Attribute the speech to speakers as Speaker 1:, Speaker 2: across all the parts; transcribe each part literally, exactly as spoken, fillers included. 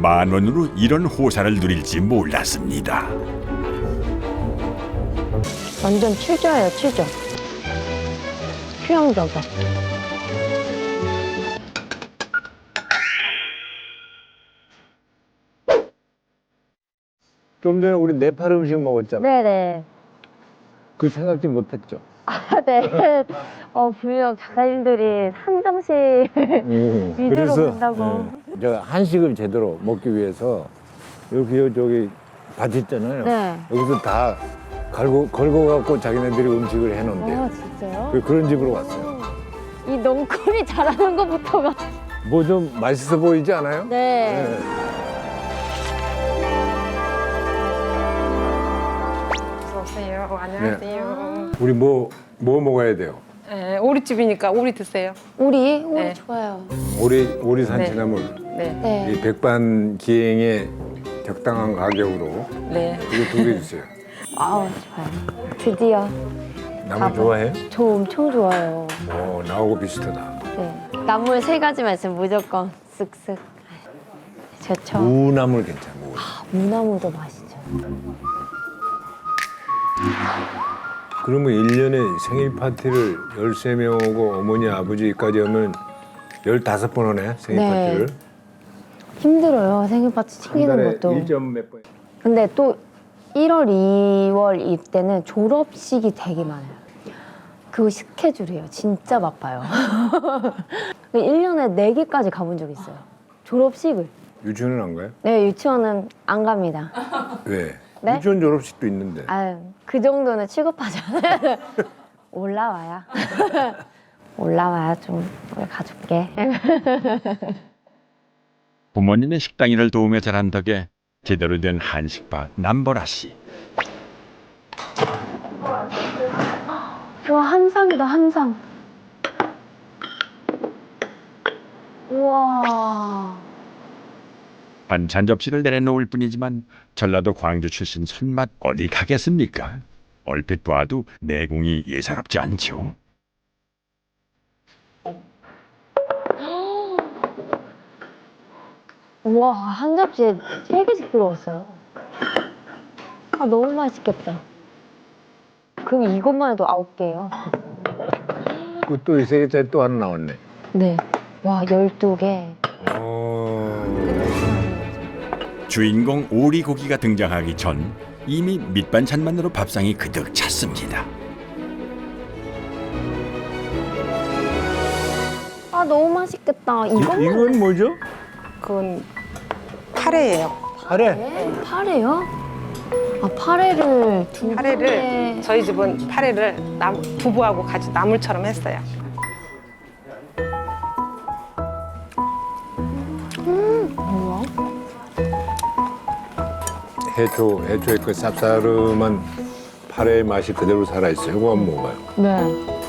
Speaker 1: 만 원으로 이런 호사를 누릴지 몰랐습니다.
Speaker 2: 완전 취저예요, 취저. 취향저격.
Speaker 3: 좀 전에 우리 네팔 음식 먹었잖아.
Speaker 2: 네네.
Speaker 3: 그 생각지 못했죠.
Speaker 2: 아, 네. 어, 분명 작가님들이 상정식
Speaker 3: 음,
Speaker 2: 위주로 간다고.
Speaker 3: 네, 저 한식을 제대로 먹기 위해서 이렇게 요- 저기 밭 있잖아요.
Speaker 2: 네.
Speaker 3: 여기서 다 걸고 걸고 갖고 자기네들이 음식을 해놓은데
Speaker 2: 아, 진짜요?
Speaker 3: 그 그런 집으로 왔어요.
Speaker 2: 이 넝쿨이 잘하는 것부터가.
Speaker 3: 뭐 좀 맛있어 보이지 않아요?
Speaker 2: 네.
Speaker 4: 어서오세요. 안녕하세요.
Speaker 3: 우리 뭐 뭐 먹어야 돼요?
Speaker 4: 네, 오리집이니까 오리 드세요.
Speaker 2: 오리? 오리
Speaker 4: 네.
Speaker 2: 좋아요.
Speaker 3: 오리 오리 산치나물
Speaker 4: 네.
Speaker 2: 네.
Speaker 3: 이 백반 기행에 적당한 가격으로
Speaker 4: 네.
Speaker 3: 이거 두 개 주세요.
Speaker 2: 아우, 좋아요. 드디어.
Speaker 3: 나물
Speaker 2: 밥을.
Speaker 3: 좋아해?
Speaker 2: 저 엄청 좋아해요.
Speaker 3: 오 나하고 비슷하다.
Speaker 2: 네. 나물 세 가지만 있으면 무조건 쓱쓱. 좋죠.
Speaker 3: 무나물 괜찮아. 무.
Speaker 2: 무나무도 맛있죠.
Speaker 3: 그러면 일 년에 생일 파티를 열세 명 오고 어머니 아버지까지 하면 열다섯 번 하네 생일
Speaker 2: 네.
Speaker 3: 파티를.
Speaker 2: 힘들어요. 생일 파티 챙기는 것도.
Speaker 3: 일 점 몇 번.
Speaker 2: 근데 또 일월, 이월 이때는 졸업식이 되게 많아요. 그 스케줄이에요. 진짜 바빠요. 일 년에 네 개까지 가본 적 있어요. 졸업식을.
Speaker 3: 유치원은 안 가요?
Speaker 2: 네, 유치원은 안 갑니다.
Speaker 3: 왜?
Speaker 2: 네?
Speaker 3: 유치원 졸업식도 있는데.
Speaker 2: 아유, 그 정도는 취급하잖아요. 올라와야. 올라와야 좀 우리 가줄게.
Speaker 1: 부모님의 식당 일을 도우며 자란 덕에 제대로 된 한식바 남보라 씨.
Speaker 2: 와, 한상이다, 한상. 우와.
Speaker 1: 반찬 접시를 내려놓을 뿐이지만 전라도 광주 출신 손맛 어디 가겠습니까? 얼핏 봐도 내공이 예사롭지 않죠.
Speaker 2: 우와, 한 접시에 세 개씩 들어왔어요. 아, 너무 맛있겠다. 그럼 이것만 해도 아홉 개예요.
Speaker 3: 또 이 세 개짜리 또 하나 나왔네.
Speaker 2: 네. 와, 열두 개.
Speaker 3: 어...
Speaker 1: 주인공 오리고기가 등장하기 전 이미 밑반찬만으로 밥상이 그득 찼습니다.
Speaker 2: 아, 너무 맛있겠다.
Speaker 3: 이,
Speaker 2: 이것만.
Speaker 3: 이건 뭐죠?
Speaker 4: 그건 파래예요.
Speaker 3: 파래.
Speaker 2: 네, 파래요? 아, 파래를 두
Speaker 4: 파래를
Speaker 2: 분에-
Speaker 4: 저희 집은 파래를 남, 두부하고 같이 나물처럼 했어요.
Speaker 2: 뭐야?
Speaker 3: 해초, 해초의 그 쌉싸름한 파래의 맛이 그대로 살아있어요. 이거 한번 먹어봐요.
Speaker 2: 네.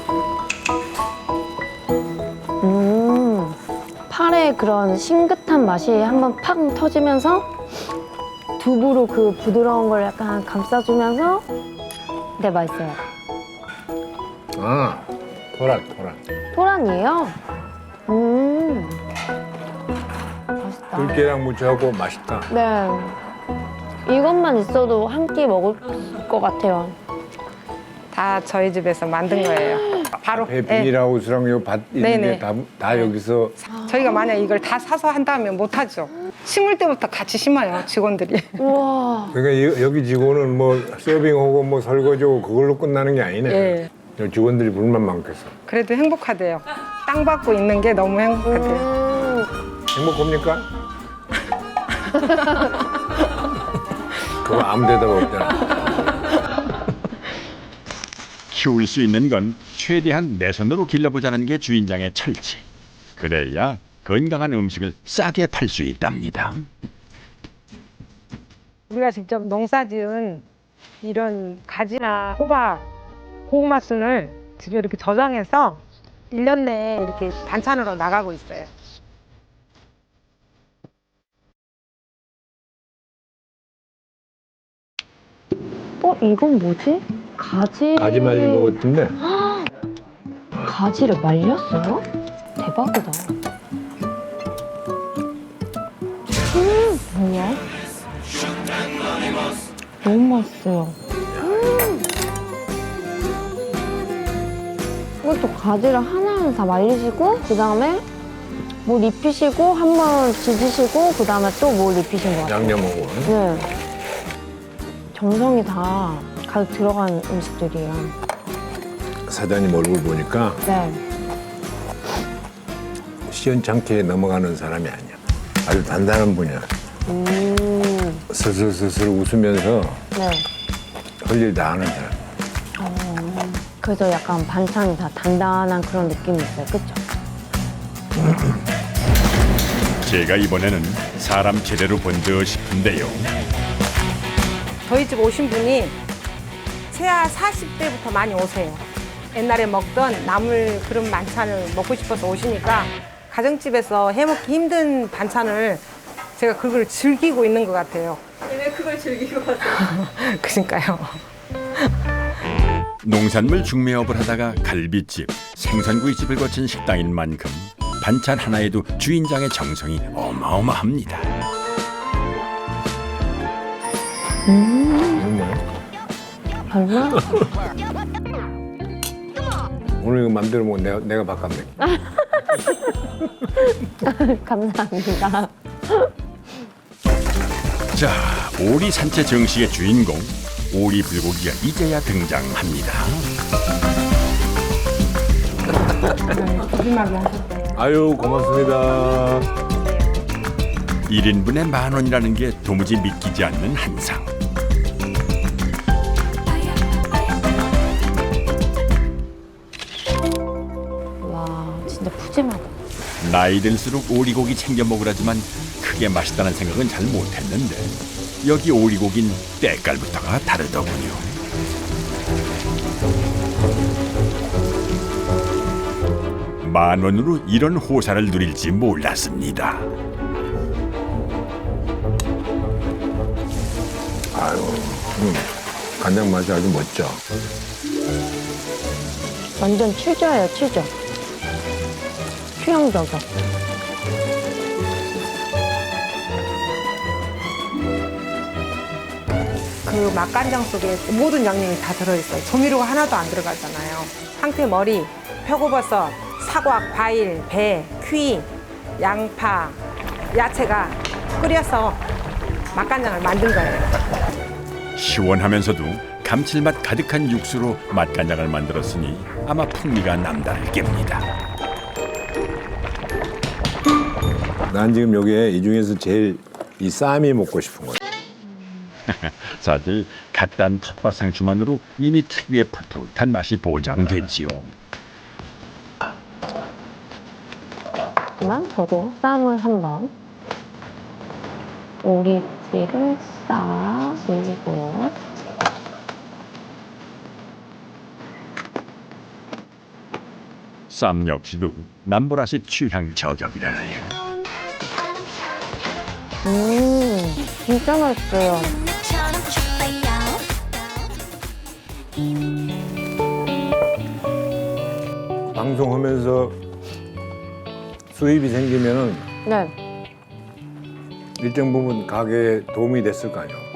Speaker 2: 음, 파래의 그런 싱긋한 맛이 한번 팍 터지면서 두부로 그 부드러운 걸 약간 감싸주면서 네, 맛있어요.
Speaker 3: 아, 토란, 토란.
Speaker 2: 토란이에요? 음, 맛있다.
Speaker 3: 들깨랑 무쳐하고 맛있다.
Speaker 2: 네. 이것만 있어도 한 끼 먹을 것 같아요.
Speaker 4: 다 저희 집에서 만든 거예요. 바로.
Speaker 3: 앞에
Speaker 4: 네.
Speaker 3: 비닐하우스랑 요 밭 있는
Speaker 4: 네네.
Speaker 3: 게 다 다 여기서
Speaker 4: 저희가 만약 이걸 다 사서 한다면 못하죠. 심을 때부터 같이 심어요, 직원들이.
Speaker 2: 우와.
Speaker 3: 그러니까 여- 여기 직원은 뭐 서빙하고 뭐 설거지하고 그걸로 끝나는 게 아니네.
Speaker 4: 예.
Speaker 3: 요 직원들이 불만 많겠어.
Speaker 4: 그래도 행복하대요. 땅 받고 있는 게 너무 행복하대요.
Speaker 2: 음,
Speaker 3: 행복합니까? 그거 아무 데다가 없잖아.
Speaker 1: 키울 수 있는 건 최대한 내 손으로 길러보자는 게 주인장의 철칙. 그래야 건강한 음식을 싸게 팔 수 있답니다.
Speaker 4: 우리가 직접 농사지은 이런 가지나 호박, 고구마순을 집에 이렇게 저장해서 일 년 내에 이렇게 반찬으로 나가고 있어요.
Speaker 2: 어, 이건 뭐지? 가지.
Speaker 3: 가지 말린 거 같은데.
Speaker 2: 가지를 말렸어요? 대박이다. 음, 뭐야? 너무 맛있어요. 음. 이것도 가지를 하나하나 다 말리시고 그 다음에 물 입히시고 한 번 지지시고 그 다음에 또 물 입히신 것 같아요.
Speaker 3: 양념하고.
Speaker 2: 네. 정성이 다 가득 들어간 음식들이에요.
Speaker 3: 사장님 얼굴 보니까
Speaker 2: 네.
Speaker 3: 시원찮게 넘어가는 사람이 아니야. 아주 단단한 분이야.
Speaker 2: 음.
Speaker 3: 슬슬슬슬 웃으면서
Speaker 2: 네.
Speaker 3: 할 일 다 하는 사람.
Speaker 2: 그래서 약간 반찬이 다 단단한 그런 느낌이 있어요. 그쵸?
Speaker 1: 제가 이번에는 사람 제대로 본 듯 싶은데요.
Speaker 4: 저희 집 오신 분이 최하 사십 대부터 많이 오세요. 옛날에 먹던 나물 그런 반찬을 먹고 싶어서 오시니까 가정집에서 해먹기 힘든 반찬을 제가 그걸 즐기고 있는 것 같아요.
Speaker 5: 왜 그걸 즐기고 가세요?
Speaker 4: 그러니까요.
Speaker 1: 농산물 중매업을 하다가 갈비집, 생선구이집을 거친 식당인 만큼 반찬 하나에도 주인장의 정성이 어마어마합니다.
Speaker 2: 음.
Speaker 3: 정말?
Speaker 2: 얼마?
Speaker 3: 오늘 이거 맘대로 먹으면 내가, 내가 바꿨네.
Speaker 2: 감사합니다.
Speaker 1: 자, 오리 산채 정식의 주인공 오리 불고기가 이제야 등장합니다.
Speaker 3: 아유, 고맙습니다.
Speaker 1: 일 인분에 만 원이라는 게 도무지 믿기지 않는 한상.
Speaker 2: 와, 진짜 푸짐하다.
Speaker 1: 나이 들수록 오리고기 챙겨 먹으라지만 크게 맛있다는 생각은 잘 못했는데 여기 오리고긴 때깔부터가 다르더군요. 만 원으로 이런 호사를 누릴지 몰랐습니다.
Speaker 3: 아유, 음, 간장 맛이 아주 멋져.
Speaker 2: 완전 취저예요, 취저. 취향 저격.
Speaker 4: 그 맛간장 속에 모든 양념이 다 들어있어요. 조미료가 하나도 안 들어가잖아요. 황태 머리, 표고버섯, 사과, 과일, 배, 퀴, 양파, 야채가 끓여서 맛간장을 만든 거예요.
Speaker 1: 시원하면서도 감칠맛 가득한 육수로 맛간장을 만들었으니 아마 풍미가 남다를 겁니다.
Speaker 3: 난 지금 여기에 이 중에서 제일 이 쌈이 먹고 싶은 거야.
Speaker 1: 사실 갓단 텃밭상추만으로 이미 특유의 풋풋한 맛이 보장됐지요.
Speaker 2: 그러면 저도 쌈을 한번 오리지를 싹 올리고요.
Speaker 1: 쌈 역시도 남보라시 취향 저격이라네요.
Speaker 2: 음, 진짜 맛있어요.
Speaker 3: 방송하면서 수입이 생기면은
Speaker 2: 네.
Speaker 3: 일정 부분 가게에 도움이 됐을 거 아니야.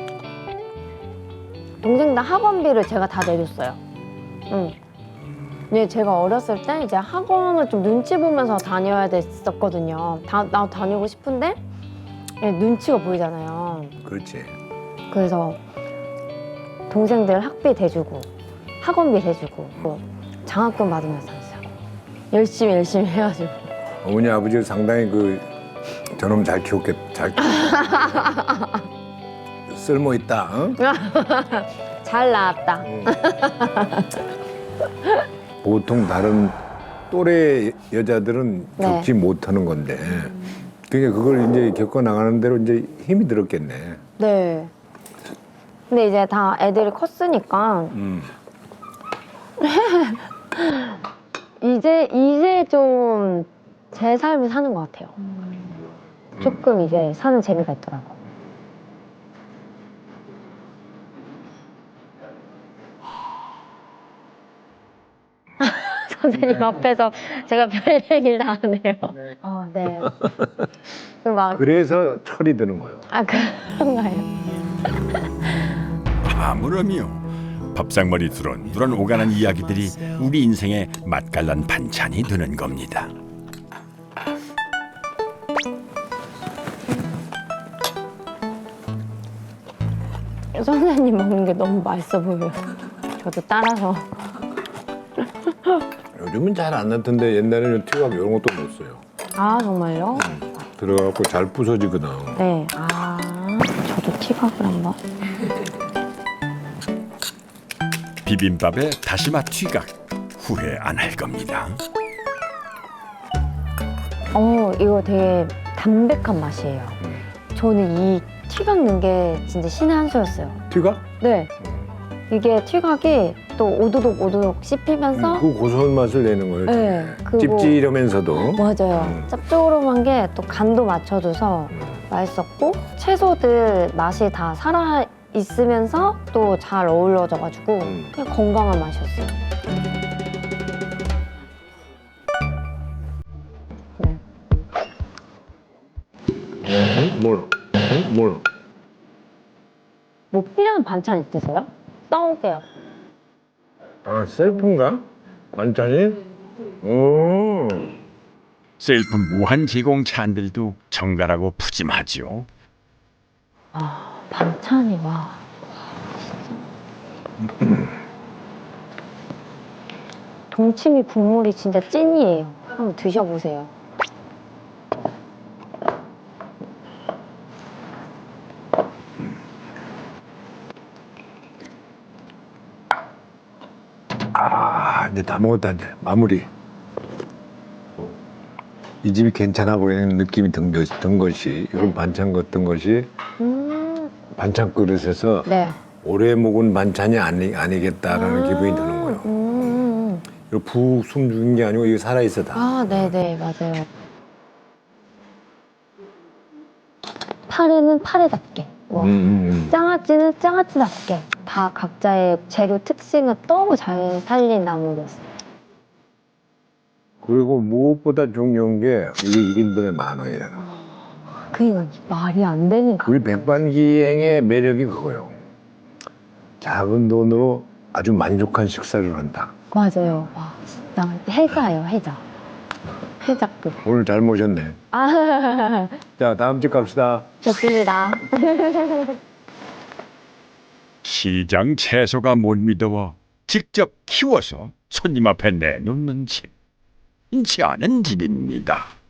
Speaker 2: 동생들 학원비를 제가 다 내줬어요. 응. 근데 제가 어렸을 때 이제 학원을 좀 눈치 보면서 다녀야 됐었거든요. 다, 나 다니고 싶은데 예, 눈치가 보이잖아요.
Speaker 3: 그렇지.
Speaker 2: 그래서 동생들 학비 대주고 학원비 대주고 뭐 장학금 받으면서 했어요. 열심히 열심히 해가지고.
Speaker 3: 어머니 아버지를 상당히 그 저놈 잘 키웠겠, 잘 키웠겠다. 쓸모 있다. 어?
Speaker 2: 잘 나왔다.
Speaker 3: 응. 보통 다른 또래 여자들은
Speaker 2: 네.
Speaker 3: 겪지 못하는 건데, 그러니까 그걸 이제 겪어 나가는 대로 이제 힘이 들었겠네.
Speaker 2: 네. 근데 이제 다 애들이 컸으니까
Speaker 3: 음.
Speaker 2: 이제 이제 좀 제 삶을 사는 것 같아요. 조금 이제 사는 재미가 있더라고. 선생님 앞에서 제가 별 얘기를 다 하네요. 어, 네. 그 막,
Speaker 3: 그래서 철이 드는 거예요.
Speaker 2: 아, 그런가요?
Speaker 1: 아무렴이요. 밥상머리 두런두런 오가는 이야기들이 우리 인생의 맛깔난 반찬이 되는 겁니다.
Speaker 2: 선생님 먹는 게 너무 맛있어 보여요. 저도 따라서.
Speaker 3: 요즘은 잘 안 넣던데 옛날에는 티각 이런 것도 못 써요.
Speaker 2: 아, 정말요?
Speaker 3: 들어가고 잘 부서지거든.
Speaker 2: 네. 아, 저도 티각을 한번.
Speaker 1: 비빔밥에 다시마 튀각 후회 안 할 겁니다.
Speaker 2: 어, 이거 되게 담백한 맛이에요. 저는 이 튀각 넣은 게 진짜 신의 한 수였어요.
Speaker 3: 티각?
Speaker 2: 네. 이게 튀각이 또 오도독 오도독 씹히면서
Speaker 3: 그 고소한 맛을 내는 거예요.
Speaker 2: 네, 그리고-
Speaker 3: 찝찝이러면서도.
Speaker 2: 맞아요.
Speaker 3: 음.
Speaker 2: 짭조름한 게 또 간도 맞춰줘서 맛있었고 채소들 맛이 다 살아 있으면서 또 잘 어우러져가지고
Speaker 3: 음.
Speaker 2: 그냥 건강한 맛이었어요. 네.
Speaker 3: 응? 뭘? 응? 뭘?
Speaker 2: 뭐 필요한 반찬 있으세요? 써올게요.
Speaker 3: 아, 셀프인가? 반찬이? 오.
Speaker 1: 셀프 무한 제공 찬들도 정갈하고 푸짐하죠.
Speaker 2: 아, 반찬이 와. 진짜. 동치미 국물이 진짜 찐이에요. 한번 드셔보세요.
Speaker 3: 아, 이제 다 먹었다, 이제. 마무리. 이 집이 괜찮아 보이는 느낌이 든, 것, 든 것이, 이런 반찬 같은 것이
Speaker 2: 음,
Speaker 3: 반찬 그릇에서
Speaker 2: 네.
Speaker 3: 오래 먹은 반찬이 아니, 아니겠다라는
Speaker 2: 아,
Speaker 3: 기분이 드는 거예요.
Speaker 2: 음,
Speaker 3: 이거 푹 숨죽인 게 아니고 이게 살아있어 다.
Speaker 2: 아, 네네, 맞아요. 파래는 파래답게, 뭐,
Speaker 3: 음, 음, 음.
Speaker 2: 장아찌는 장아찌답게 다 각자의 재료 특징을 너무 잘 살린 나물이었어요.
Speaker 3: 그리고 무엇보다 중요한 게 이게 일 인분에 만 원이잖아.
Speaker 2: 그게 말이 안 되는 가.
Speaker 3: 우리 백반기행의 매력이 그거예요. 작은 돈으로 아주 만족한 식사를 한다.
Speaker 2: 맞아요. 와, 진짜 해자예요, 해자. 해자급.
Speaker 3: 오늘 잘 모셨네.
Speaker 2: 아,
Speaker 3: 자, 다음 집 갑시다.
Speaker 2: 좋습니다.
Speaker 1: 시장 채소가 못 믿어워 직접 키워서 손님 앞에 내놓는 집. 인치 않은 집입니다.